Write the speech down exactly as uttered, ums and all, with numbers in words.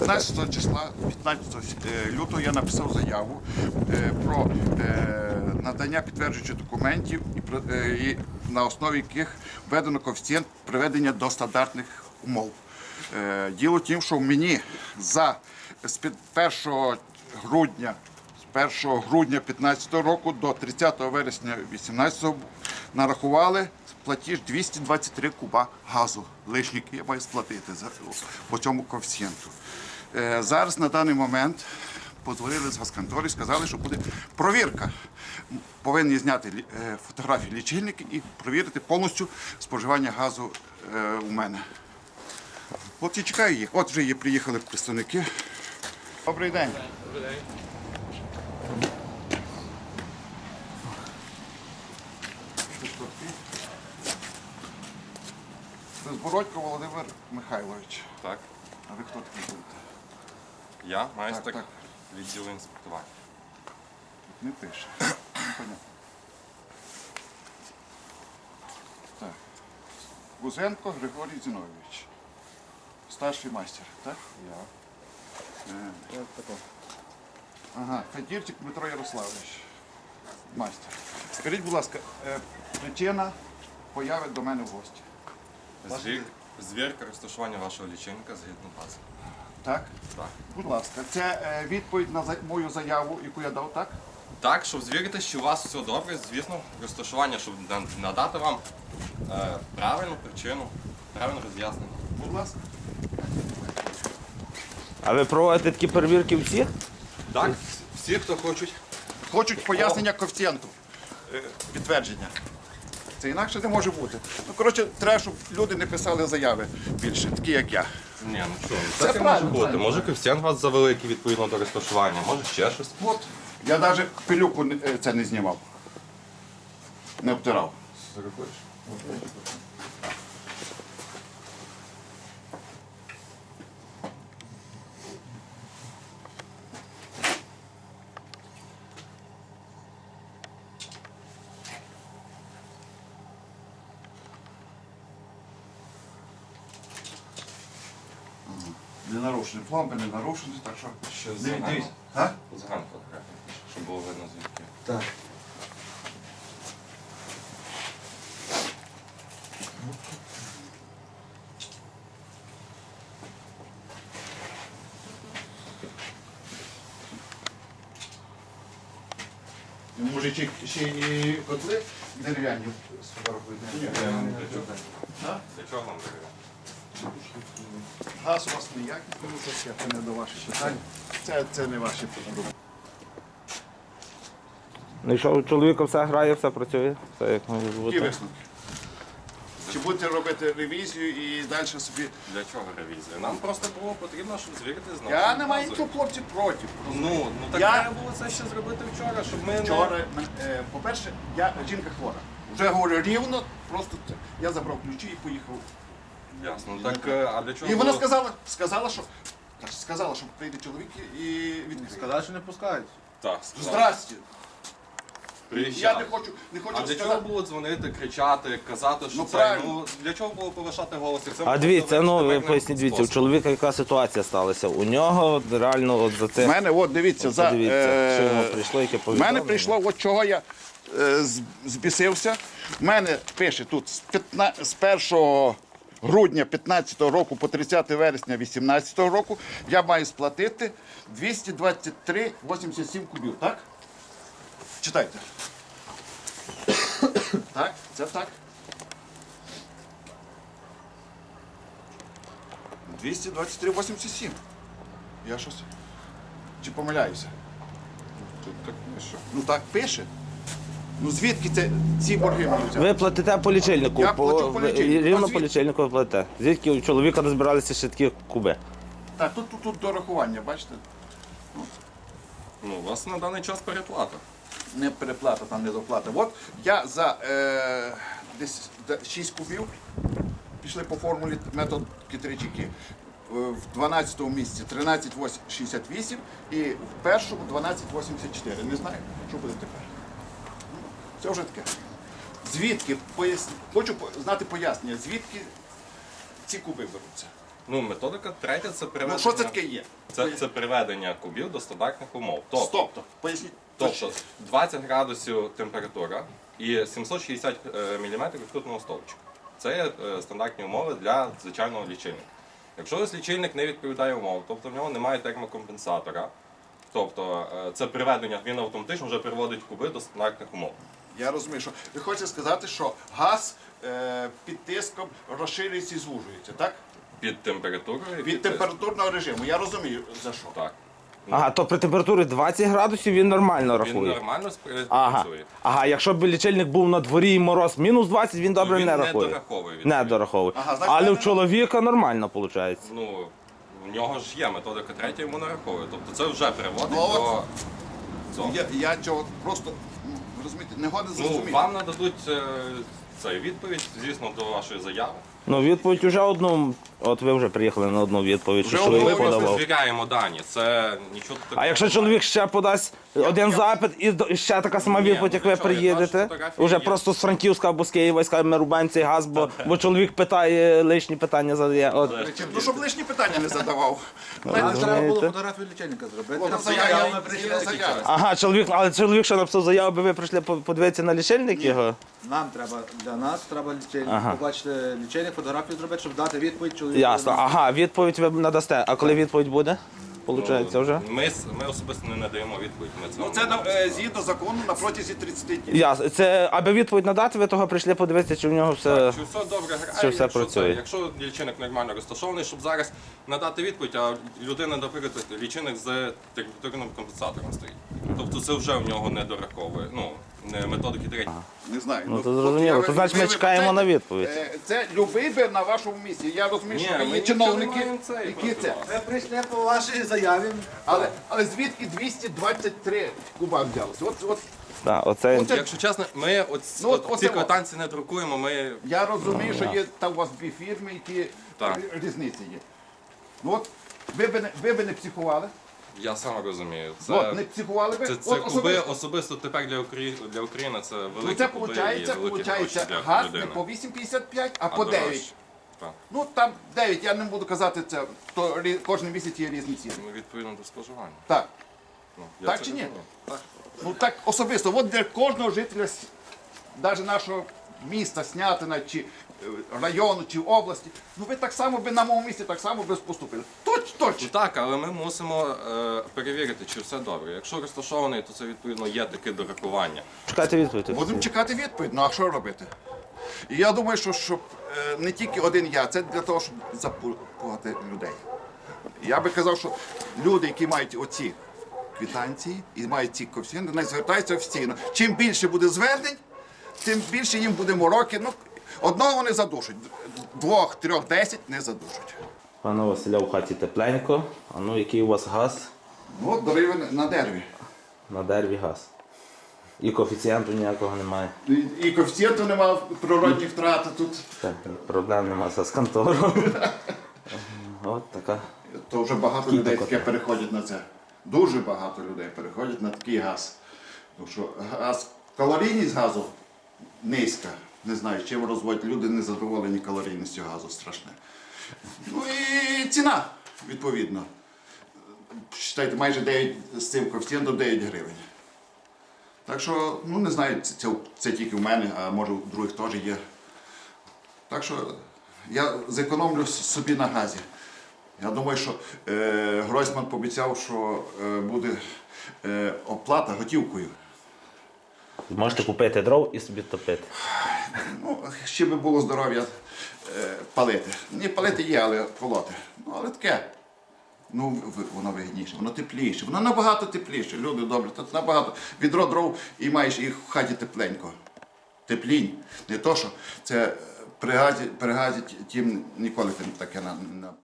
п'ятнадцятого числа, п'ятнадцятого лютого я написав заяву про надання підтверджуючих документів, і на основі яких введено коефіцієнт приведення до стандартних умов. Діло в тім, що мені за з першого грудня з першого грудня п'ятнадцятого року до тридцятого вересня вісімнадцятого нарахували платіж двісті двадцять три куба газу лишніх, я маю сплатити по цьому коефіцієнту. Зараз на даний момент подзвонили з газконтори і сказали, що буде провірка. Повинні зняти фотографії лічильники і провірити повністю споживання газу у мене. От я чекаю їх. От вже є, приїхали представники. Добрий день. Добрий день. Це Збородько Володимир Михайлович. Так. А ви хто такий будете? Я майстер Так, так. відділу інспектування. Не пише. Непонятно. Так. Гузенко Григорій Зіновійович. Старший майстер, так? Я. Е, Ага, Федірчик Дмитро Ярославович. Майстер. Скажіть, будь ласка, е, причина появи до мене в гості. Звір, звірка розташування вашого лічильника згідно бази. Так? Так. Будь ласка, це е, відповідь на за- мою заяву, яку я дав, так? Так, щоб звірити, що у вас все добре, звісно, розташування, щоб на- надати вам е, правильну причину, правильне роз'яснення. Будь ласка. А ви проводите такі перевірки всіх? Так, всі, хто хочуть. Хочуть пояснення коефіцієнту, е, підтвердження. Це інакше не може бути. Ну, коротше, треба, щоб люди не писали заяви більше, такі як я. Ні, ну чого, Це так і може правильно, бути. правильно. Може коефіцієнт у вас завеликий відповідно до розташування, може ще щось. От. Я навіть пилюку не- е, це не знімав. Не обтирав. Не нарушені, пломби не нарушені, так що... Ще Диві- згадано. Дивіться. А? Згадано фотографію, щоб було видно звідки. Так. Може, ще, ще і котли дерев'яні сфотографуєте? Ні, для чого? А? Для чого вам дерев'яна? Газ у вас ніякий, тому що це не до ваших питань. Це, це не ваші питання. Ну і що, у чоловіка все грає, все працює, все як має Які бути. висновки? Чи будете робити ревізію і далі собі... Для чого ревізія? Нам просто було потрібно, щоб звірити знову. Я не маю нічого, хлопці, проти. Ну, ну так Я- треба було це ще зробити вчора, щоб ми не... Вчора, е, по-перше, я жінка хвора. Вже говорю рівно, просто це. Я забрав ключі і поїхав. Ясно. Так, е, а для чого І вона було- сказала, сказала, що так, сказала, що прийде чоловік і відкриє. Сказали, що не пускають. Так, сказав. Здрасте. Я Приїжджав. не хочу, не хочу А для чого сказати. було дзвонити, кричати, казати, що Ну, це, правильно. ну, для чого було повишати голос? Як це А можна дивіться, зробити ну ви правильним поясніть, дивіться, у способом? чоловіка яка ситуація сталася. У нього от реально от за У це. мене, от дивіться, От за, подивіться, що йому е, прийшло, яке в повідомлення. мене прийшло, от чого я е, з- збісився. У мене пише тут з, п'ятна- з першого грудня п'ятнадцятого року по тридцяте вересня вісімнадцятого року я маю сплатити двісті двадцять три вісімдесят сім кубів, так? Читайте. Так, це так. двісті двадцять три вісімдесят сім. Я щось. Чи помиляюся? Тут так пише. Ну так пише. Ну звідки це ці борги мені взяти? Ви платите по лічильнику, Я плачу по ви- лічильнику. А рівно по звідки? лічильнику ви платите. Звідки у чоловіка розбиралися ще такі куби? Так, тут, тут, тут дорахування, бачите? Ну, у вас на даний час переплата. Не переплата, там не доплата. От я за е, десь шість кубів пішли по формулі метод Китричики. В дванадцятому місці тринадцять шістдесят вісім і в першому дванадцять вісімдесят чотири. Не знаю, що буде тепер. Ну, це вже таке. Звідки, пояс... хочу по- знати пояснення, звідки ці куби беруться. Ну, методика третя це приведення. Ну що це таке є? Це, це приведення кубів до стандартних умов. Тобто, Стоп, поясніть. тобто двадцять градусів температура і сімсот шістдесят міліметрів ртутного стовпчика. Це є е, стандартні умови для звичайного лічильника. Якщо ось лічильник не відповідає умовам, тобто в нього немає термокомпенсатора, тобто е, це приведення, він автоматично вже приводить куби до стандартних умов. Я розумію, що ви хочете сказати, що газ е, під тиском розширюється і звужується, так? Під температурою. і Від тиском. температурного режиму. Я розумію, за що. Так. Ага, то при температурі двадцять градусів він нормально Він рахує. нормально спри- Ага. працює. Ага, якщо б лічильник був на дворі і мороз мінус двадцять, він добре Він не не рахує. дораховує, Не відповідно. дораховує. Ага, значить, Але в правильно. чоловіка нормально виходить. Ну, в нього ж є методика третя, йому нараховує. Тобто це вже приводить Ну, от до цього. Я, я цього просто, ну, ви розумієте, не годен Ну, зрозуміти. вам нададуть е, цей відповідь, звісно, до вашої заяви. Ну, відповідь уже одну. От ви вже приїхали на одну відповідь, що Вже чоловік одну Ми просто подавав. звіряємо дані. Це нічого такого. А якщо немає. чоловік ще подасть один я- запит і до- і ще така сама Ні, відповідь, як ви ну, що, ваші приїдете, фотографії вже є. просто з Франківська або з Києва і скаже, ми рубаємо цей газ, бо, бо чоловік питає, лишні питання задає. От. Ну, щоб лишні питання не задавав. Ну, Знаєте, Нам треба розумієте? було фотографію лічильника зробити. От, Там заява, заява, я- ми прийшли я- тільки заява. час. Ага, чоловік, але чоловік, що написав заяву, би ви прийшли по- подивитися на лічильник його? Нам треба, для нас треба лічильник, Ага. побачити лічильник, фотографію зробити, щоб дати відповідь чоловіку. Ясно. Ага, відповідь ви надасте. А коли відповідь буде? Получається вже? Ми, с- ми особисто не надаємо відповідь. Ми Ну, цього це не на- можемо. е, згідно закону на протязі тридцяти днів. Ясно. Це, аби відповідь надати, ви того прийшли подивитися, чи в нього все. Чи все добре грає, Чи все якщо, працює? це, якщо лічильник нормально розташований, щоб зараз надати відповідь, а людина, наприклад, лічильник з температурним компенсатором стоїть. Тобто це вже в нього не дораховує. Ну, не методики третій. Не знаю. Ну, то от зрозуміло. я- То значить, ви- ми ви- чекаємо це- на відповідь. е, Це любий би на вашому місці. Я розумію, що Ні, ви ми є нічого чиновники, не маємо цей які проти це. вас. Ми прийшли по вашій заяві. Але, але звідки двісті двадцять три куба взялося? От, от, Так, оце. Оце- Якщо чесно, ми от, Ну, от- от, оце ці от. квитанції не друкуємо, ми я розумію, що є там у вас дві фірми, які Так. рі- різниці є. Ну от, ви би не, ви би не психували. я сам розумію. Це, От, не психували би. це, це От куби особисто. особисто тепер для України, для України це великі Ну це куби і виходить, великі виходить гроші для газ людини. не по вісім п'ятдесят п'ять, а, А по дорожче. дев'ять. Так. Ну там дев'ять, я не буду казати це, то рі- кожен місяць є різні ціни. Ну, відповідно до споживання. Так. Ну, я Так це чи ні? розумію. Так. Ну так особисто, от для кожного жителя, навіть нашого міста, Снятина, чи е, району, чи області, ну ви так само би на моєму місці так само би поступили. Точ, Ну точно. так, але ми мусимо е, перевірити, чи все добре. Якщо розташований, то це відповідно є таке дорахування. Чекайте відповідь. Будемо чекати відповідь, ну а що робити? І я думаю, що щоб е, не тільки один я, це для того, щоб запугати людей. Я би казав, що люди, які мають оці квитанції і мають ці коефіцієнти, не звертаються офіційно. Чим більше буде звернень, тим більше їм буде мороки. Ну, одного вони задушать, двох, трьох, десять не задушать. Пане Василя, в хаті тепленько. А ну, який у вас газ? Ну, от дороги на дереві. На дереві газ. І коефіцієнту ніякого немає. І, і коефіцієнту немає, природні втрати тут. Так, проблем нема з контором. От така. То вже багато Скільки людей таке? таке переходять на це. Дуже багато людей переходять на такий газ. Тому що газ, калорійність газу низька. Не знаю, чим розводять люди, не задоволені калорійністю газу страшне. Ну і ціна, відповідно. Считайте, майже дев'ять з цим коефіцієнтом дев'ять гривень. Так що, ну не знаю, це, це, це тільки в мене, а може у других теж є. Так що я зекономлю собі на газі. Я думаю, що е, Гройсман пообіцяв, що е, буде е, оплата готівкою. Можете купити дров і собі топити. Ну, ще би було здоров'я е, палити. Ні, палити є, але полоти. Ну, але таке. Ну, в- воно вигідніше, воно тепліше. Воно набагато тепліше. Люди добрі, тут набагато. Відро дров і маєш їх в хаті тепленько. Теплінь. Не то, що це при газі, при газі тім ніколи тим таке на. на...